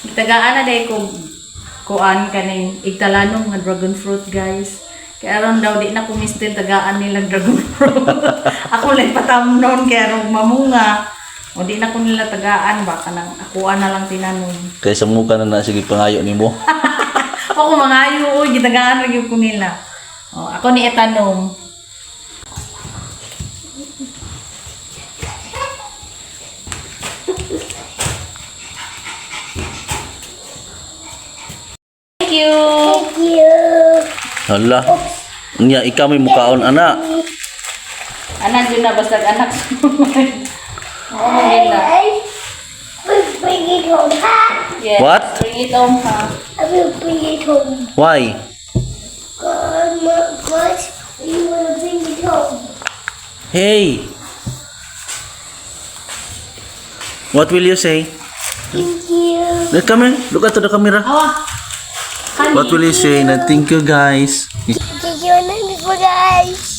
Tagaan na day ko kuan kaning igtalanong nga dragon fruit, guys. Kaya aron daw di na kumistil tagaan nilang dragon fruit. Ako lang patamnon kaya aron mamunga. O di na ko nila tagaan baka nang akuan na lang tinanon. Kaya sa mukha na sige pangayo nimo. Ako mangayo oy gitagaan ra gyud ko nila. O ako ni etanom. Thank you. Thank you. Hala. Nya ikaw may mukaon ana. Anak yun na basta anak. Oo, nila. I will bring it home. Ha? Yes. What? Bring it home, ha? I will bring it home. Why? Because we will bring it home. Hey. What will you say? Thank you. Come here. Look at the camera. Awa. What will you say? Na thank you guys. Thank you, guys.